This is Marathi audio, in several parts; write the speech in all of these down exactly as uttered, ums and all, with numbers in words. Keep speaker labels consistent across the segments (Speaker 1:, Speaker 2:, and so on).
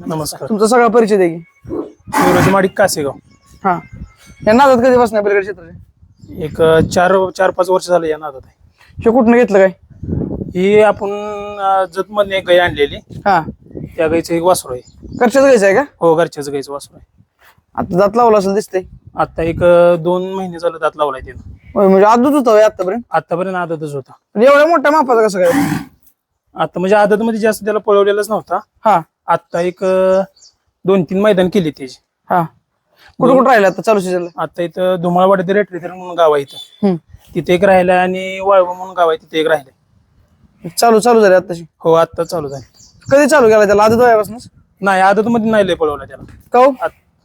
Speaker 1: नमस्कार.
Speaker 2: तुमचा सगळा परिचय द्या की.
Speaker 1: शिवराज माडिक कासेगाव.
Speaker 2: हा या नादात कधी बसणार बैलगाडी क्षेत्राचे?
Speaker 1: एक अ, चार चार पाच वर्ष झाले या नादात आहे.
Speaker 2: हे कुठनं घेतलं काय?
Speaker 1: ही आपण जतमधने एक गाय आणलेली,
Speaker 2: हा
Speaker 1: त्या गायचं एक वासरू आहे.
Speaker 2: घरच्याच घ्यायचं आहे का?
Speaker 1: हो, घरच्याच गायचं वासरू आहे.
Speaker 2: आता दात लावला असेल दिसतंय.
Speaker 1: आता एक अ, दोन महिने झालं दात लावलाय त्यानं.
Speaker 2: होय, म्हणजे आदत होता होय आतापर्यंत.
Speaker 1: आतापर्यंत आदतच होता.
Speaker 2: म्हणजे एवढ्या मोठ्या मापाचा कसं काय?
Speaker 1: आता म्हणजे आदत मध्ये जास्त त्याला पळवलेलाच नव्हता.
Speaker 2: हा
Speaker 1: आता एक अ, दोन तीन मैदान केली त्याची.
Speaker 2: हा कुठं कुठं राहिलं आता चालू सीझनला?
Speaker 1: आता इथं धुमाळवाडी रेटरी म्हणून गाव आहे इथं,
Speaker 2: हम्म.
Speaker 1: तिथे एक राहिलाय आणि वाळवा म्हणून गाव आहे तिथे एक राहिलाय.
Speaker 2: चालू चालू झाले आताशी.
Speaker 1: हो, आता चालू झाली.
Speaker 2: कधी चालू केला त्याला? आदत वयापासूनच
Speaker 1: नाही, आदत मध्ये नाही लय पळवला त्याला.
Speaker 2: का हो?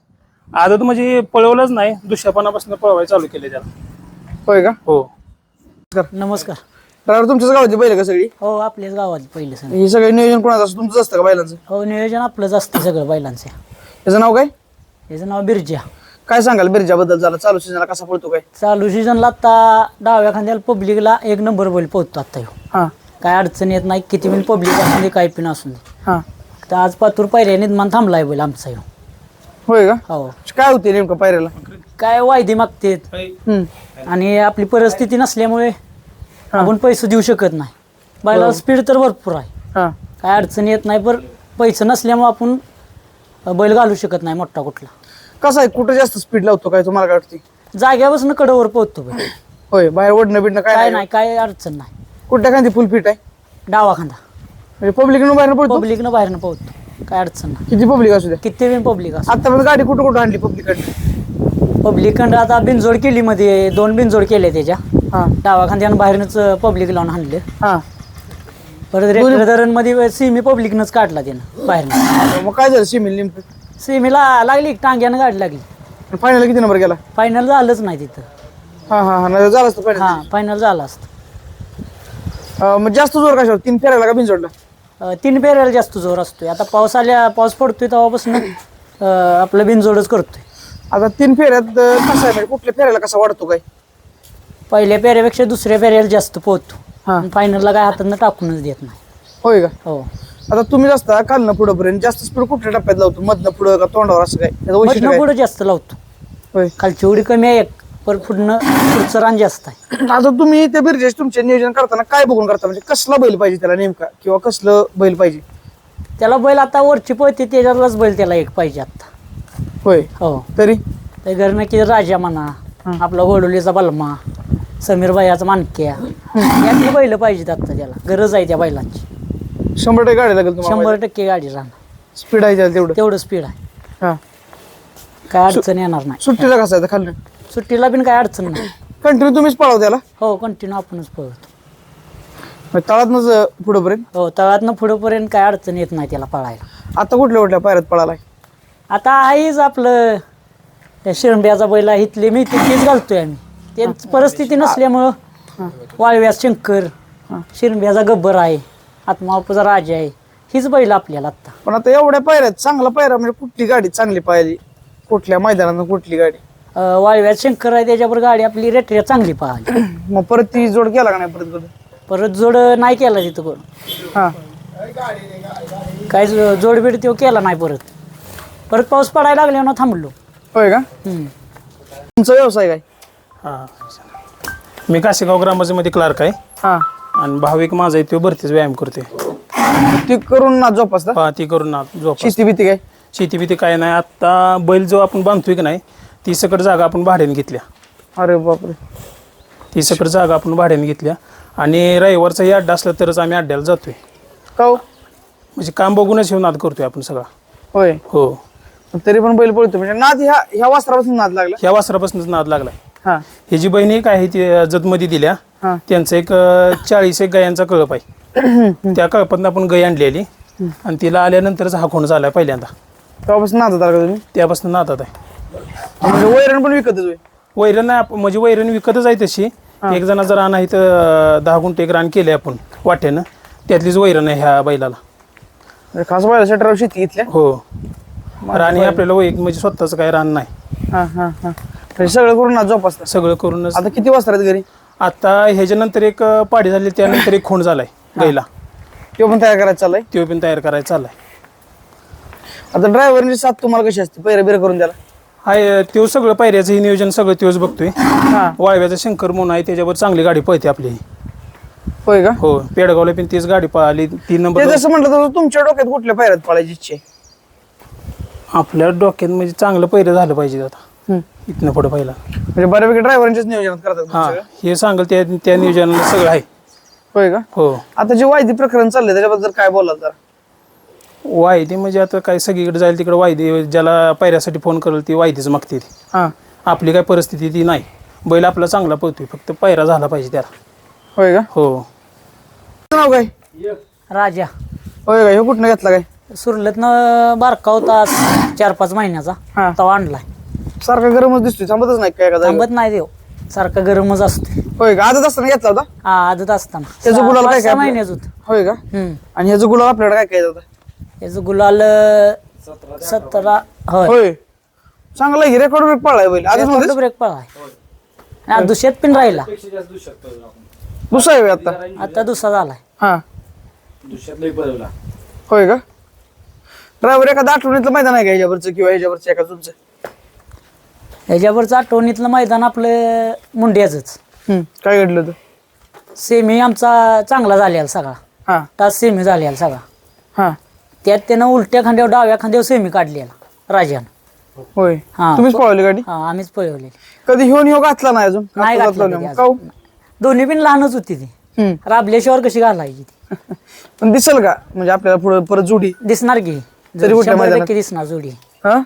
Speaker 1: आदत म्हणजे पळवलंच नाही, दुष्यापणापासून पळवायला चालू केले त्याला.
Speaker 2: होय का?
Speaker 1: हो.
Speaker 3: नमस्कार.
Speaker 2: ड्रायव्हर तुमच्याच गावाची बैल का सगळी?
Speaker 3: हो, आपल्याच गावात पहिलं सण.
Speaker 2: हे सगळं नियोजन कोणाचं असतं? तुमचं असतं का बैलांचं?
Speaker 3: हो, नियोजन आपलंच असतं सगळं बैलांचं.
Speaker 2: त्याचं नाव काय?
Speaker 3: याचं नाव बिरजा.
Speaker 2: काय सांगाल बिरजाबद्दल? झाला चालू सीझनला कसा पळतो काय?
Speaker 3: चालू सीझनला आता डाव्या खांद्याला पब्लिकला एक नंबर बैल पोहतो आता ह्यो.
Speaker 2: हा
Speaker 3: काय अडचण येत नाही, किती पण पब्लिक असून दे काय पण असून दे.
Speaker 2: हा
Speaker 3: तर आज पातूर पायऱ्या निर्माण थांबलाय बैल आमचा ह्यो.
Speaker 2: होय का?
Speaker 3: हो,
Speaker 2: काय होते नेमकं पायऱ्याला?
Speaker 3: काय वायदे मागतेत
Speaker 2: हम्म.
Speaker 3: आणि आपली परिस्थिती नसल्यामुळे आपण पैसे देऊ शकत नाही. बैलाला स्पीड तर भरपूर आहे,
Speaker 2: हा
Speaker 3: काय अडचण येत नाही, पण पैसे नसल्यामुळे आपण बैल घालू शकत नाही मोठा कुठला.
Speaker 2: कसं आहे, कुठं जास्त स्पीड लावतो काय तुम्हाला काय वाटते?
Speaker 3: जाग्यापासून कडवर पोहतो बैल.
Speaker 2: होय, बाहेर ओढणं बिडणं काय
Speaker 3: काय
Speaker 2: नाही?
Speaker 3: नाही, काय अडचण नाही.
Speaker 2: कुठल्या खांदी फुल फिट आहे?
Speaker 3: डावा खांदा
Speaker 2: म्हणजे पब्लिक बाहेर पडतो?
Speaker 3: पब्लिकनं बाहेरनं पोहतो, काय अडचण नाही.
Speaker 2: किती पब्लिक असू द्या.
Speaker 3: किती पण पब्लिक असं.
Speaker 2: आतापर्यंत गाडी कुठं कुठं आणली पब्लिक?
Speaker 3: पब्लिककडं आता बिनजोड केली मध्ये, दोन बिनजोड केले त्याच्या.
Speaker 2: हा
Speaker 3: डावा खांद्यानं बाहेरनंच पब्लिक लावून आणले.
Speaker 2: हा
Speaker 3: परत रेल्वे धरण मध्ये सिमी पब्लिकनंच काढला त्यानं बाहेरनं.
Speaker 2: मग काय झालं सिमिल नेमकं?
Speaker 3: सिमीला लागली टांग्यानं गाडी लागली.
Speaker 2: फायनल किती नंबर गेला?
Speaker 3: फायनल झालंच नाही तिथं.
Speaker 2: हा हा हा नाही झालं असतं फायनल.
Speaker 3: हा, फायनल झालं असतं.
Speaker 2: मग जास्त जोर कशावर? तीन फेरायला का बिनजोडला?
Speaker 3: अं, तीन पेरायला जास्त जोर असतोय. आता पाऊस आल्या पाऊस पडतोय तेव्हापासून अं, आपलं बिनजोडच करतोय.
Speaker 2: आता तीन फेऱ्यात अं, कसं आहे म्हणजे कुठल्या फेऱ्याला कसा वाढतो काय?
Speaker 3: पहिल्या पेऱ्यापेक्षा दुसऱ्या पेऱ्याला जास्त पोहतो.
Speaker 2: हा
Speaker 3: फायनलला काय हातानं टाकूनच देत नाही.
Speaker 2: होय का?
Speaker 3: हो,
Speaker 2: आता तुम्ही जास्त खालनं पुढं पर्यंत जास्त स्पीड कुठल्या टप्प्यात लावतो? मधनं पुढं का तोंडावर असं काय? त्याचं वैशिष्ट्य
Speaker 3: मधनं
Speaker 2: काय?
Speaker 3: पुढं जास्त लावतो.
Speaker 2: होय.
Speaker 3: खालची उडी कमी आहे एक, पण पुढनं पुढचं रान जास्त आहे.
Speaker 2: आता तुम्ही त्या बिरजेश तुमचे नियोजन करताना काय बघून करता? म्हणजे कसला बैल पाहिजे त्याला नेमका, किंवा कसलं बैल पाहिजे?
Speaker 3: त्याला बैल आता वरची पळते त्याच्यातलाच बैल त्याला एक पाहिजे आता.
Speaker 2: होय.
Speaker 3: हो,
Speaker 2: तरी
Speaker 3: त्या घरनं की राजा म्हणा, आपला वडोलीचा बलमा, समीर भाईचा मानक्या, यातली बैल पाहिजेत आता. त्याला गरज आहे त्या बैलांची.
Speaker 2: शंभर टक्के गाडी लागेल तुम्हाला?
Speaker 3: शंभर टक्के गाडी राहणार,
Speaker 2: स्पीड आहे त्याला तेवढं?
Speaker 3: तेवढं स्पीड आहे,
Speaker 2: हा.
Speaker 3: काय अडचण येणार नाही.
Speaker 2: सुट्टीला कसं आहे खाल्लं?
Speaker 3: सुट्टीला पण काय अडचण नाही.
Speaker 2: कंटिन्यू तुम्हीच पळाव त्याला?
Speaker 3: हो, कंटिन्यू आपणच पळवतो.
Speaker 2: तळातनच पुढं पर्यंत?
Speaker 3: हो, तळातनं पुढंपर्यंत काय अडचण येत नाही त्याला पळायला.
Speaker 2: आता कुठल्या कुठल्या पायऱ्यात पळालाय?
Speaker 3: आता आहेच आपलं त्या शिरंब्याचा बैला इथले मी तेच घालतोय आम्ही. त्यांची परिस्थिती नसल्यामुळं वाळव्यात शंकर, शिरंब्याचा गब्बर आहे, आत्मापूचा राजा आहे, हीच बैल आपल्याला आता.
Speaker 2: पण आता एवढ्या पायऱ्यात चांगला पायरा म्हणजे कुठली गाडी चांगली पाहिली? कुठल्या मैदानात कुठली गाडी?
Speaker 3: अं, वाळव्यात शंकर आहे, त्याच्यावर गाडी आपली रेटऱ्या चांगली पाहिली.
Speaker 2: मग परत ती जोड केला का नाही परत कधी?
Speaker 3: परत जोड नाही केला तिथं कोण,
Speaker 2: हा
Speaker 3: काय जोडबीड तो केला नाही. परत परत पाऊस पडायला लागल्यावर थांबलो.
Speaker 2: होय का?
Speaker 3: हम्म.
Speaker 2: तुमचा व्यवसाय काय?
Speaker 1: हा, मी कासेगाव ग्रामपंचायतीमध्ये क्लार्क आहे
Speaker 2: हा
Speaker 1: आणि भाविक माझा आहे तो भरतीच व्यायाम करते.
Speaker 2: ती करून ना जोपासता?
Speaker 1: हा, ती करून ना झोप.
Speaker 2: शेती भीती काय?
Speaker 1: शेती बिती काय नाही. आता बैल जो आपण बांधतोय की नाही, ती सकट जागा आपण भाड्याने घेतल्या.
Speaker 2: अरे बापरे.
Speaker 1: ती सकट जागा आपण भाड्याने घेतल्या आणि रविवारचाही अड्डा असला तरच आम्ही अड्ड्याला जातोय.
Speaker 2: का हो?
Speaker 1: म्हणजे काम बघूनच येऊन नाद करतोय आपण सगळा.
Speaker 2: होय.
Speaker 1: हो,
Speaker 2: तरी पण बैल पळतो म्हणजे नाद ह्या ह्या वासरापासून नाद लागला?
Speaker 1: ह्या वासरापासूनच नाद लागलाय.
Speaker 2: हा
Speaker 1: ही जी बहीण एक आहे ती जतमध्ये दिल्या,
Speaker 2: हा
Speaker 1: त्यांचं एक अं, चाळीस एक गायांचा कळप आहे. त्या कळपातून आपण गाय आणलेली आणि तिला आल्यानंतरच हा खूण झालाय पहिल्यांदा.
Speaker 2: तेव्हापासून नाद लागला तुम्ही?
Speaker 1: त्यापासून नादात आहे.
Speaker 2: म्हणजे वैरण पण विकतच होय?
Speaker 1: वैरण नाही आप- म्हणजे वैरण विकतच आहे तशी. एक जण जर रान आहे तर दहा गुंठे एक रान केले आपण वाट्यानं, त्यातलीच वैरण आहे ह्या बैलाला.
Speaker 2: म्हणजे खास बैला शटर शेती घेतल्या?
Speaker 1: हो, रान हे आपल्याला वै म्हणजे स्वतःच काय रान नाही.
Speaker 2: हा हा हा म्हणजे सगळं करून नाद जोपासता?
Speaker 1: सगळं करूनच.
Speaker 2: आता किती वासर आहेत घरी?
Speaker 1: आता ह्याच्यानंतर एक अं, पाडी झाली, त्यानंतर एक खूण झालाय गायला,
Speaker 2: तो पण तयार करायचा चाललाय?
Speaker 1: तो पण तयार करायचा चाललाय.
Speaker 2: आता ड्रायव्हरची साथ तुम्हाला कशी असते पैरा बिरा करून द्याला?
Speaker 1: हाय त्यो सगळं पायऱ्याचं हे नियोजन सगळं त्योच बघतोय.
Speaker 2: हा
Speaker 1: वाळव्याचा शंकर म्हणून आहे त्याच्यावर चांगली गाडी पळते आपली.
Speaker 2: होय का?
Speaker 1: हो पेडगावला पण तीच गाडी पळाली तीन
Speaker 2: ते
Speaker 1: नंबर.
Speaker 2: जसं म्हटलं तर तुमच्या डोक्यात कुठल्या पैऱ्यात पळायची इच्छा आहे?
Speaker 1: आपल्या डोक्यात म्हणजे चांगलं पहिलं झालं पाहिजे आता
Speaker 2: हम्म.
Speaker 1: इथनं पुढे पहिला.
Speaker 2: म्हणजे बऱ्यापैकी ड्रायव्हरांच्याच नियोजनात करतात
Speaker 1: हा
Speaker 2: तुम्ही सगळं?
Speaker 1: हे सांगल त्या त्या नियोजनाला सगळं आहे.
Speaker 2: होय का?
Speaker 1: हो
Speaker 2: आता जे वायदी प्रकरण चाललंय त्याच्याबद्दल काय बोलाल जरा?
Speaker 1: वायदे म्हणजे आता काय सगळीकडे जाईल तिकडे वायदे ज्याला पायऱ्यासाठी फोन करेल ती वायदेच मागते ती.
Speaker 2: हा
Speaker 1: आपली काय परिस्थिती ती नाही. बैल आपला चांगला पळतोय फक्त पायरा झाला पाहिजे त्याला.
Speaker 2: होय का?
Speaker 1: हो
Speaker 2: नाव काय?
Speaker 3: राजा
Speaker 2: होय का? हे कुठनं घेतला काय?
Speaker 3: सुरलतनं बारका होता चार पाच महिन्याचा
Speaker 2: हा.
Speaker 3: तवा आणलाय.
Speaker 2: सारखा गरमच दिसतोय थांबतच नाही काय का जागेवर?
Speaker 3: थांबत नाही देव सारखा गरमच असतो.
Speaker 2: होय का? आजच असताना घेतला होता?
Speaker 3: हा आदत असताना
Speaker 2: त्याचं
Speaker 3: सहा-
Speaker 2: गुलाल काय
Speaker 3: पाच-
Speaker 2: काय
Speaker 3: सहा
Speaker 2: आपलं?
Speaker 3: महिन्याच होत.
Speaker 2: होय का?
Speaker 3: हम्म
Speaker 2: आणि ह्याचं गुलाल आपल्याकडे काय काय होता?
Speaker 3: याचं गुलाल सतरा होय
Speaker 2: होय चांगला आहे रेकॉर्ड ब्रेक पळलाय बैल आजच मध्ये
Speaker 3: ब्रेक पळाय आणि दुसऱ्यात पण राहिला.
Speaker 2: दुसरा आहे होय आता?
Speaker 3: आता दुसरा झालाय.
Speaker 2: हा होय का? ड्रायव्हर एखादा आठवणीतलं मैदान आहे का ह्याच्यावरचं किंवा ह्याच्यावरचं एका तुमचं?
Speaker 3: ह्याच्यावरचं आठवणीतलं मैदान आपलं मुंड्याचंच.
Speaker 2: हम्म. काय घडलं होतं?
Speaker 3: सेमी आमचा चांगला झालेला सगळा
Speaker 2: हा
Speaker 3: तास सेमी झालेला सगळा.
Speaker 2: हा
Speaker 3: त्यात त्यानं उलट्या खांद्यावर डाव्या खांद्यावर सेमी काढलेला राजानं.
Speaker 2: होय
Speaker 3: हा.
Speaker 2: तुम्हीच पळवली गाडी?
Speaker 3: हा आम्हीच पळवलेली.
Speaker 2: कधी ह्योन ह्यो घातला नाही अजून?
Speaker 3: नाही
Speaker 2: आता
Speaker 3: घातलं
Speaker 2: घातला
Speaker 3: कधी
Speaker 2: नाही. काहून?
Speaker 3: अजून. दोन्ही पण लहानच होती ती.
Speaker 2: हम्म.
Speaker 3: राबल्याशिवाय कशी घालायची ती
Speaker 2: पण दिसल का म्हणजे आपल्याला पुढे परत जोडी?
Speaker 3: दिसणार की
Speaker 2: तरी कुठल्या
Speaker 3: शंभर
Speaker 2: मैदानात?
Speaker 3: टक्के दिसणार जोडी.
Speaker 2: हा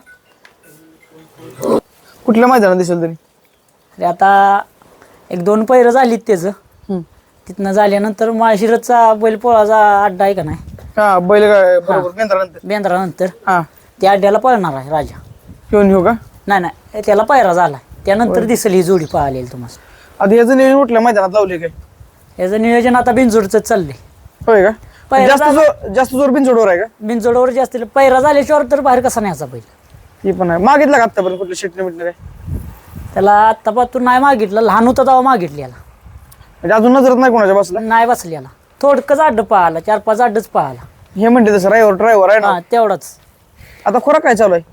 Speaker 2: कुठल्या मैदानात दिसेल तरी?
Speaker 3: अरे आता एक दोन पैरं झालीत त्याचं.
Speaker 2: हम्म.
Speaker 3: तिथनं झाल्यानंतर माळशिरसचा बैलपोळाचा अड्डा आहे का नाही
Speaker 2: हा बैल गाय बरोबर केंद्रानंतर.
Speaker 3: बेंद्रानंतर
Speaker 2: हा
Speaker 3: त्या अड्ड्याला पळणार आहे राजा.
Speaker 2: ह्योन ह्यो का?
Speaker 3: नाही नाही त्याला पायरा झाला त्यानंतर दिसेल ही जोडी पाहिलेली तुम्हाला.
Speaker 2: आता ह्याचं नियोजन कुठल्या मैदानात लावले काय?
Speaker 3: याचं नियोजन आता बिनजोडचं चाललंय.
Speaker 2: होय का?
Speaker 3: पहिला
Speaker 2: जास्त
Speaker 3: झाला-
Speaker 2: जोर जास्त जोर बिनजोडवर आहे का?
Speaker 3: बिनजोडवर जास्त पैरा झाल्याशिवाय तर बाहेर कसा न्यायचा बैल.
Speaker 2: ही पण आहे. मागितला का आतापर्यंत कुठलं शेटणे बिटणे काय?
Speaker 3: त्याला आत्तापासून नाही मागितलं लहान होता तेव्हा मागितलेला
Speaker 2: म्हणजे अजून नजरत नाही कोणाच्या बसला?
Speaker 3: नाही बसलेला थोडकंच अड्ड पाहिला चार पाच अड्डच पाहिला.
Speaker 2: हे म्हणते तसं ड्रायव्हर ड्रायव्हर आहे ना.
Speaker 3: हा तेवढाच.
Speaker 2: आता खोराक काय चालू आहे?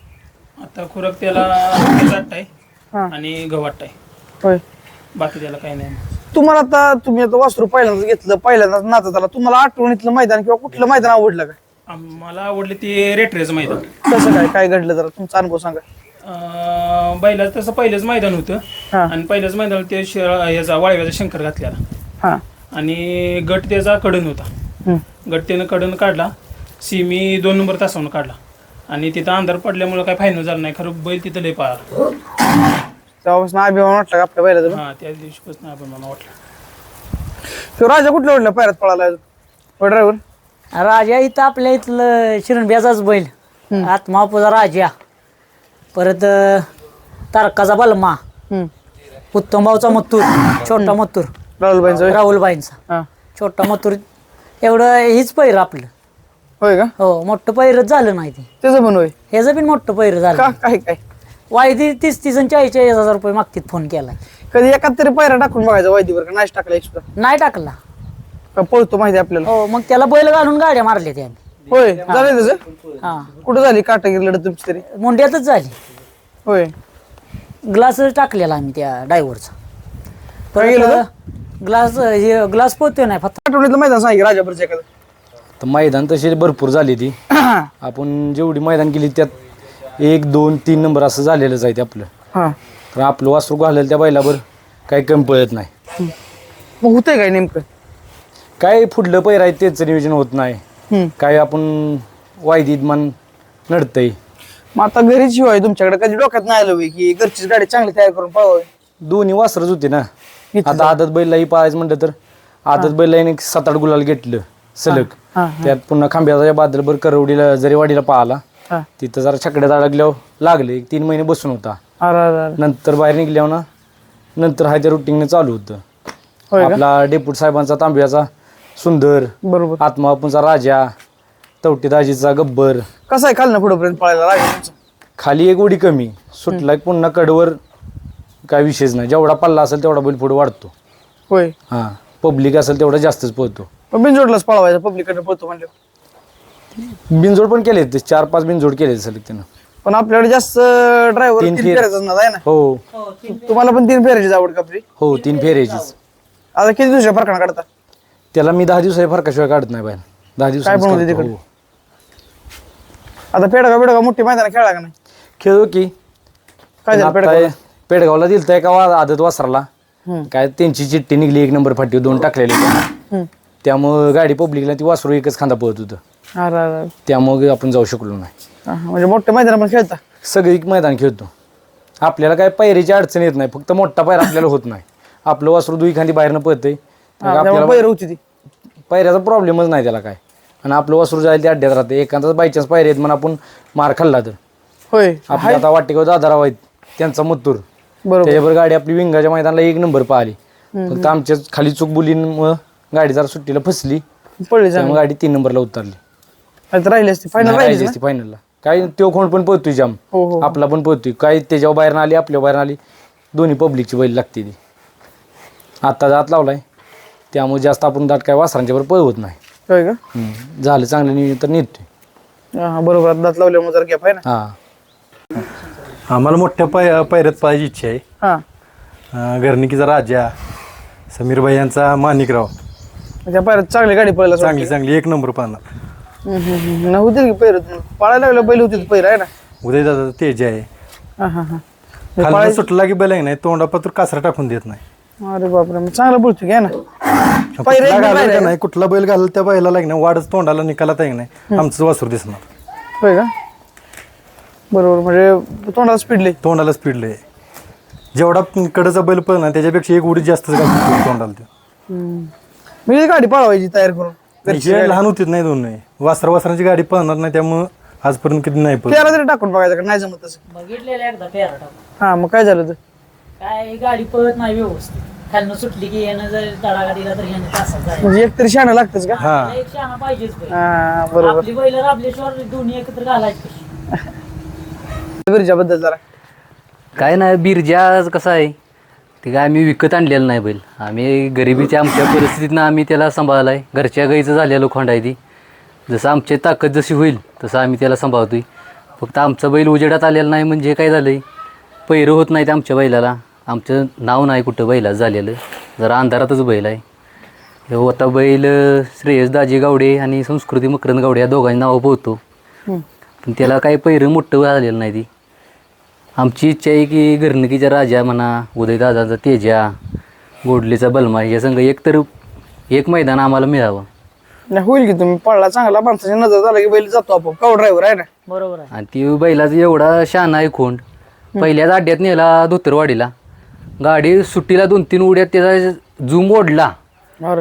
Speaker 1: आता खुराक त्याला जाट आहे
Speaker 2: हा
Speaker 1: आणि गव्हाट आहे.
Speaker 2: होय.
Speaker 1: बाकी त्याला काही नाही.
Speaker 2: तुम्हाला आता तुम्ही आता वासरू पहिल्यांदाच घेतलं पहिल्यांदाच नाचत आला तुम्हाला आठवणीतलं मैदान किंवा कुठलं मैदान आवडलं का?
Speaker 1: मला आवडले ते रेटरेचं मैदान.
Speaker 2: कसं काय काय घडलं जरा तुमचा अनुभव सांगा.
Speaker 1: अं, बैलाचं तसं पहिलंच मैदान होतं
Speaker 2: हा
Speaker 1: आणि पहिल्याच मैदान ते शे- ह्याचा वाळव्याचा शंकर घातलेला
Speaker 2: हा
Speaker 1: आणि गट त्याचा कडन होता.
Speaker 2: हम्म.
Speaker 1: गट त्यानं कडन काढला सिमी दोन नंबर तासावरून काढला आणि तिथं अंधार पडल्यामुळे काय फायनल झालं नाही. खरं बैल तिथं लय पळाला.
Speaker 2: तेव्हापासून अभिमान वाटला का आपल्या बैलाचा?
Speaker 1: हा त्या दिवशीपासून आपण मला वाटलं.
Speaker 2: तो राजा कुठल्या कुठल्या पायऱ्यात पळाला ड्रायव्हर?
Speaker 3: राजा इथं आपल्या इथलं शिरणब्याचाच बैल आत्मापूजा राजा परत अं, तारकाचा बलमा उत्तमभाऊचा मत्तूर छोटा मत्तूर
Speaker 2: राहुलबाईंचा?
Speaker 3: राहुलबाईंचा
Speaker 2: हा
Speaker 3: छोटा मत्तूर एवढं हीच पैर आपलं.
Speaker 2: होय का?
Speaker 3: हो मोठं पैरच झालं नाही ते.
Speaker 2: त्याचं पण होय?
Speaker 3: ह्याचं पण मोठं पैर
Speaker 2: का
Speaker 3: झालं.
Speaker 2: काय काय
Speaker 3: वायदी तीस तीस आणि चाळीस चाळीस हजार रुपये मागतीत फोन केलाय.
Speaker 2: कधी एकात तरी पायऱ्या टाकून बघायचा वायदीवर का नाही टाकला एक सुद्धा?
Speaker 3: नाही टाकला.
Speaker 2: का पळतो माहिती आहे आपल्याला?
Speaker 3: हो मग त्याला बैल घालून गाड्या मारल्या त्याने.
Speaker 2: होय झालंय तसं?
Speaker 3: हा
Speaker 2: कुठं झाली काटागिरी लढत तुमची तरी?
Speaker 3: मुंड्यातच झाली.
Speaker 2: होय.
Speaker 3: ग्लास टाकलेला आम्ही त्या ड्रायव्हरचा.
Speaker 2: काय केलं
Speaker 3: परत ग्लास हे ग्लास पोहतोय नाही फक्त.
Speaker 2: आठवणीतलं मैदान सांगितलं राजापूरचं एखादं?
Speaker 4: तर मैदान तशी भरपूर झाली ती. आपण जेवढी मैदान केली त्यात एक दोन तीन नंबर असं झालेलंच आहे ते आपलं.
Speaker 2: हा
Speaker 4: तर आपलं वासरू घालेलं त्या बैलावर काही कमी पळत नाही.
Speaker 2: मग होतंय काय नेमकं?
Speaker 4: काय फुडलं पैर आहे त्याचं नियोजन होत नाही.
Speaker 2: हम्म.
Speaker 4: काय आपण वायदीत मन नडतंय.
Speaker 2: मग आता घरीच शिवाय तुमच्याकडे कधी डोक्यात नाही आलं होय की घरचीच गाडी चांगली तयार करून पळवावी?
Speaker 4: दोन्ही वासरच होते ना.
Speaker 2: इथं
Speaker 4: आता आदत बैलाही पाहायचं म्हटलं तर आदत बैलाने एक सात आठ गुलाल घेतलं सलग.
Speaker 2: हा,
Speaker 4: त्यात पुन्हा खांब्याचा बादलभर करवडीला जरी वाडीला पाहिला
Speaker 2: हा.
Speaker 4: तिथं जरा छकड्यात अडकल्यावर लागले एक तीन महिने बसून होता.
Speaker 2: अरे अरे अरे.
Speaker 4: नंतर बाहेर निघल्यावर ना नंतर हाय त्या रुटीनने चालू होतं.
Speaker 2: होय का?
Speaker 4: आपला डेपूट साहेबांचा तांब्याचा सुंदर,
Speaker 2: बरोबर.
Speaker 4: आत्मापूंचा राजा, तवटीदाजीचा गब्बर,
Speaker 2: कसं आहे खालनं पुढेपर्यंत पळायला राजा तुमचं?
Speaker 4: खाली एक उडी कमी सुटला की पुन्हा कडवर काय विषयच नाही. जेवढा पल्ला असेल तेवढा बैल पुढे वाढतो.
Speaker 2: होय.
Speaker 4: हां पब्लिक असेल तेवढा जास्तच पोहतो.
Speaker 2: पण बिनजोडलाच पळवायचा पब्लिकडनं पळतो म्हणजे?
Speaker 4: बिनजोड पण केले ते चार पाच बिनजोड केले सलग त्यानं.
Speaker 2: पण आपल्याकडे जास्त ड्रायव्हर
Speaker 4: तीन
Speaker 2: तीन
Speaker 4: फेर-
Speaker 2: फेऱ्याचाच नाद आहे ना.
Speaker 4: हो
Speaker 2: तुम्हाला पण तीन फेऱ्याचीच आवड का आपली?
Speaker 4: हो तीन फेऱ्याचीच.
Speaker 2: आता किती दिवसाच्या फरकानं काढता?
Speaker 4: त्याला मी दहा दिवसाच्या फरकाशिवाय काढत नाही बाहेर. दहा दिवस
Speaker 2: काय बनवते तिकडे? आता पेडगाव पेडगाव मोठी मैदान खेळला का नाही?
Speaker 4: खेळू की
Speaker 2: काय झालं
Speaker 4: आता
Speaker 2: पेडगाव?
Speaker 4: पेडगावला दिलतंय का वा- आदत वासराला काय त्यांची चिठ्ठी निघली एक नंबर फाटी दोन टाकलेले
Speaker 2: हम्म.
Speaker 4: त्यामुळं गाडी पब्लिकला ती वासरू एकच खांदा पळत होतं
Speaker 2: अरे, अरे, अरे.
Speaker 4: त्यामुळे आपण जाऊ शकलो नाही.
Speaker 2: हा, हा. म्हणजे मोठ्या मैदान पण खेळता?
Speaker 4: सगळी मैदान खेळतो. आपल्याला काय पायरीची अडचण येत नाही, फक्त मोठा पायरा आपल्याला होत नाही. आपलं वासरू दुई खांदी बाहेरनं पळतंय
Speaker 2: हा, त्यामुळे
Speaker 4: आपल्याला
Speaker 2: पहिरं होती ती.
Speaker 4: पायऱ्याचा प्रॉब्लेमच नाही त्याला काय. आणि आपलं वासरू जायला ते अड्ड्यात राहते. एखादाच बायचान्स पायरे आहेत म्हणून आपण मार खाल्ला तर
Speaker 2: होय
Speaker 4: आपल्या आता वाटेगाव दादाराव आहेत त्यांचा मत्तूर
Speaker 2: बरोबर.
Speaker 4: त्याच्यावर गाडी आपली विंगाच्या मैदानाला एक नंबर पाहिली. फक्त आमच्या खाली चूक बुलीमुळं गाडी जरा सुट्टीला फसली
Speaker 2: पडली
Speaker 4: त्यामुळे गाडी तीन नंबरला उतरली.
Speaker 2: चांगली राहिली असती फायनल राहिली
Speaker 4: असती फायनलला. काय तो कोण पण पळतोय जाम,
Speaker 2: हो हो
Speaker 4: आपला पण पळतोय. काय त्याच्यावर बाहेर आली आपल्या बाहेर आली, दोन्ही पब्लिकची बैल लागते ती. आत्ता जात लावलाय त्यामुळे जास्त आपण दाट काय वासरांच्या बरोबर पळवत नाही.
Speaker 2: होय का?
Speaker 4: हम्म. झालं चांगलं नियोजन तर नेतोय.
Speaker 2: हा, बरोबर. आता दात लावल्यामुळे जरा गॅप आहे ना.
Speaker 4: हा
Speaker 5: आम्हाला मोठ्या पाय पायऱ्यात पाहायची इच्छा आहे.
Speaker 2: हा
Speaker 5: अं, घरणिकीचा राजा समीरभाई यांचा माणिकराव
Speaker 2: त्या पायऱ्यात चांगली गाडी पळायला
Speaker 5: चांगली चांगली एक नंबर पाहणार.
Speaker 2: होतील की पैर पळायला लागलं बैल होती पैर आहे ना.
Speaker 5: उदयदादा तेज आहे.
Speaker 2: हा हा हा
Speaker 5: खाली सुटला की बैल आहे नाही तोंडापातूर कासरा टाकून देत नाही.
Speaker 2: अरे बापरे, मग चांगलं बोलतो घ्या ना.
Speaker 5: कुठला घालेल का नाही कुठला बैल घालेल त्या बैलाला की नाही वाढच तोंडाला निकालात आहे की नाही आमचं वासरू दिसणार.
Speaker 2: होय का? बरोबर. म्हणजे तोंडाला स्पीड लई.
Speaker 5: तोंडाला स्पीड लय. जेवढा कडचा बैल पण ना त्याच्यापेक्षा एक उडी जास्त घालतो तोंडाला ते.
Speaker 2: मी गाडी पळवायची तयार करून.
Speaker 5: हे लहान होतीच नाही दोन नाही वासरा वासरांची गाडी पळणार नाही त्यामुळं आजपर्यंत कधी नाही पळत.
Speaker 2: पेरा तरी टाकून बघायचं का नाही जमत तसं.
Speaker 3: बघितलेलं एकदा पेरा टाकून.
Speaker 2: हा मग काय झालं तर?
Speaker 3: काय गाडी पळत नाही व्यवस्थित. खालनं सुटली की यानं जर तडागा दिला तर यानं तासात जायचं.
Speaker 2: म्हणजे एक तरी शहाणं लागतच का?
Speaker 5: हा
Speaker 3: एक शहाणा पाहिजेच बैल.
Speaker 2: हा बरोबर.
Speaker 3: आपली बैल राबल्याशिवाय दोन्ही एकत्र घालायची कशी?
Speaker 2: बिरजाबद्दल जरा
Speaker 6: काय नाही बिरजा कसं आहे ते काय आम्ही विकत आणलेलं नाही बैल. आम्ही गरिबीच्या आमच्या परिस्थितीनं आम्ही त्याला सांभाळला आहे. घरच्या गाईचं झालेलं खोंड आहे ती. जसं आमची ताकद जशी होईल तसं आम्ही त्याला सांभाळतोय. फक्त आमचा बैल उजेडात आलेला नाही म्हणजे काय झालं आहे पैरं होत नाहीत आमच्या बैलाला. आमचं नाव नाही कुठं बैलाचं झालेलं, जरा अंधारातच बैल आहे. हे आता बैल श्रेयस दाजी गावडे आणि संस्कृती मकरंद गावडे या दोघांची नावं पोहतो, पण त्याला काही पैरं मोठं झालेलं नाही. ती आमची इच्छा आहे की घरणकीचा राजा म्हणा, उदयदादाचा तेजा, गोडलीचा बलमा या संघ एक तर एक मैदान आम्हाला मिळावं.
Speaker 2: नाही होईल की तुम्ही पळला चांगला माणसाची नजर झाला की बैल जातो आपण. काव ड्रायव्हर आहे ना.
Speaker 3: बरोबर आहे.
Speaker 6: आणि ती बैलाचा एवढा शहाणा आहे खोंड. पहिल्याच अड्ड्यात नेला धोतरवाडीला, गाडी सुट्टीला दोन तीन उड्यात त्याचा झूम ओढला.
Speaker 2: अरे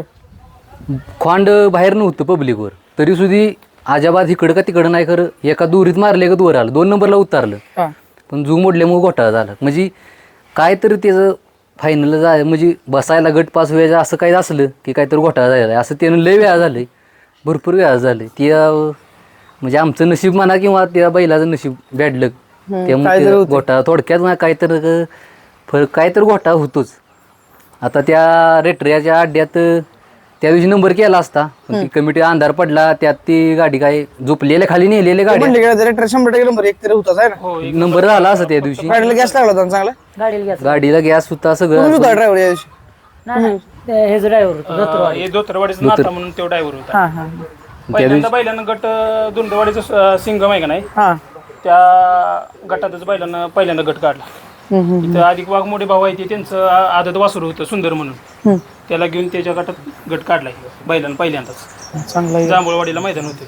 Speaker 6: खोंड बाहेर नव्हतं पब्लिकवर तरी सुद्धा अजाबाद इकडं का तिकडं नाही, खरं एका दुरीत मारले का वर आलं, दोन नंबरला उतारलं.
Speaker 2: हा
Speaker 6: पण झूम ओढल्यामुळे घोटाळा झाला. म्हणजे काय तरी त्याचं फायनल जाय म्हणजे बसायला गट पास व्हायचं असं काही असलं की काहीतरी घोटाळा झाला आहे असं त्यानं लय वेळा झालं आहे, भरपूर वेळा झालं आहे. त्या म्हणजे आमचं नशीब म्हणा किंवा त्या बैलाचं नशीब बॅडलक त्यामुळे ते घोटाळा थोडक्यात ना काहीतरी फरक काहीतरी घोटाळा होतोच. आता त्या रेटऱ्याच्या अड्ड्यात त्या दिवशी नंबर केला असता पण ती कमिटी अंधार पडला त्यात ती गाडी काय झोपलेल्या खाली नेलेल्या गाडी
Speaker 2: म्हणले गेला रेटर शंभर टक्के नंबर एक तरी होताच आहे ना.
Speaker 6: नंबर झाला असं त्या दिवशी.
Speaker 2: गाडीला गॅस लागला होता ना चांगला.
Speaker 3: गाडीला घ्या.
Speaker 6: गाडीला गॅस होता सगळं.
Speaker 2: तुम्ही होता ड्रायव्हर या दिवशी?
Speaker 3: नाही नाही हेच ड्रायव्हर होतो धोतरवाडी.
Speaker 1: हे धोतरवाडीचा नाता म्हणून तो ड्रायव्हर होता.
Speaker 2: हा हा
Speaker 1: पहिल्यांदा बैलानं गट धुंदवाडीचा सिंगम आहे का नाही
Speaker 2: हा
Speaker 1: त्या गटातच बैलानं पहिल्यांदा गट काढला. इथं अधिक वाघमोडे भाऊ आहे ते त्यांचं आ- आदत वासरू होतं सुंदर म्हणून, त्याला घेऊन त्याच्या गटात गट काढलाय बैलानं पहिल्यांदाच.
Speaker 2: चांगला आहे.
Speaker 1: जांभूळवाडीला मैदान होते.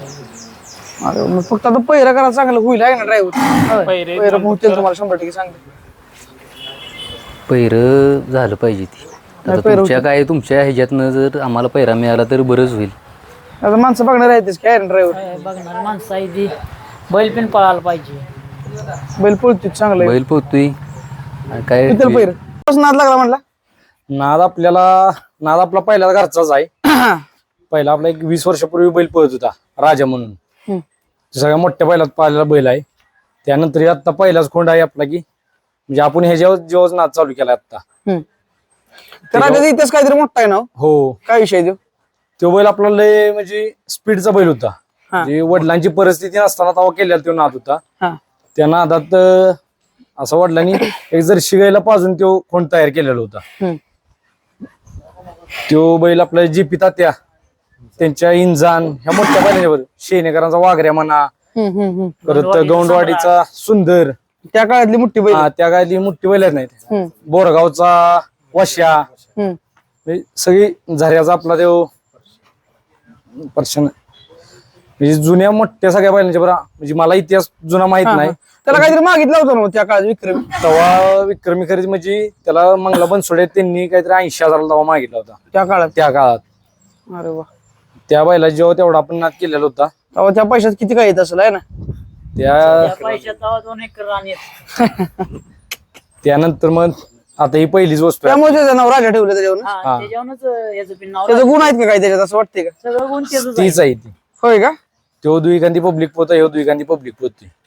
Speaker 2: अरे मग फक्त आता पहिला करा चांगलं होईल आहे ना ड्रायव्हर.
Speaker 1: पहिरे
Speaker 2: पहिला होतील तुम्हाला शंभर टक्के सांगते.
Speaker 6: पैरं झालं पाहिजे ती. आता तुमच्या काय तुमच्या ह्याच्यातनं जर आम्हाला पैरा मिळाला तर बरंच होईल.
Speaker 2: आता माणसं बघणार आहेतच काय ड्रायव्हर.
Speaker 3: बघणार माणसं आहे ती बैल पण पळायला पाहिजे.
Speaker 2: बैल पळतो चांगलं आहे.
Speaker 6: बैल पोहतोय आणि काय
Speaker 2: किती पहिर नाद लागला म्हणला.
Speaker 4: नाद आपल्याला नाद आपला पहिला घरचाच आहे. पहिला आपला एक वीस वर्षापूर्वी बैल पळत होता राजा म्हणून. सगळ्या मोठ्या बैलात पाहिलेला बैल आहे. त्यानंतर आता पहिलाच खोंड आहे आपला की म्हणजे आपण ह्याच्यावर जेव्हाच नाद चालू केला आता.
Speaker 2: तर राजाचा इतिहास काहीतरी मोठा आहे ना हो?
Speaker 4: हो
Speaker 2: काय विषय देऊ.
Speaker 4: तो बैल आपला लय म्हणजे स्पीडचा बैल होता. म्हणजे वडिलांची परिस्थिती नसताना तेव्हा केलेला तो नाद होता.
Speaker 2: हा
Speaker 4: त्या नादात अं, असं वडिलांनी एक जर्शी गायला पाजून तो खोंड तयार केलेला होता.
Speaker 2: हम्म.
Speaker 4: तो बैल आपल्या जीपी तात्या त्यांच्या इंजान ह्या मोठ्या बैलांच्यावर शेनेकरांचा वाघऱ्या म्हणा,
Speaker 2: हम्म, हम्म, हम्म.
Speaker 4: परत गौंडवाडीचा सुंदर,
Speaker 2: त्या काळातली मोठी बैल.
Speaker 4: हा, त्या गायली मोठी बैल आहेत नाहीत.
Speaker 2: हम्म,
Speaker 4: बोरगावचा वश्या,
Speaker 2: हम्म.
Speaker 4: म्हणजे सगळी झऱ्याचा आपला देव पर्शन, म्हणजे जुन्या मोठ्या सगळ्या बैलांच्या बरं, म्हणजे मला इतिहास जुना माहित नाही.
Speaker 2: त्याला काहीतरी मागितलं होतं ना त्या काळात विक्रमी.
Speaker 4: तेव्हा विक्रमी खरेदी म्हणजे त्याला मंगला बनसोडे त्यांनी काहीतरी ऐंशी हजाराला तेव्हा मागितला होता
Speaker 2: त्या काळात.
Speaker 4: त्या काळात.
Speaker 2: अरे वा.
Speaker 4: त्या बैला जेव्हा तेवढा आपण नाद केलेला होता
Speaker 2: तेव्हा त्या पैशात किती काय येत असेल आहे ना.
Speaker 4: त्या
Speaker 3: पैशात तेव्हा दोन एकर रान येत.
Speaker 4: त्यानंतर मग आता ही पहिलीच वस्तू आहे.
Speaker 2: त्यामुळे त्याचं नाव राजा ठेवलं त्याच्यावर.
Speaker 3: हा, त्याच्यावरूनच याचं पण नाव
Speaker 2: त्याचं गुण आहेत का काही त्याच्यात असं वाटतंय का?
Speaker 3: सगळं गुण त्याचंच आहे.
Speaker 4: तीच आहे ती.
Speaker 2: होय का?
Speaker 4: तो दुईकांदी पब्लिक पोत आहे, ह्यो दुईकांदी पब्लिक पोत आहे.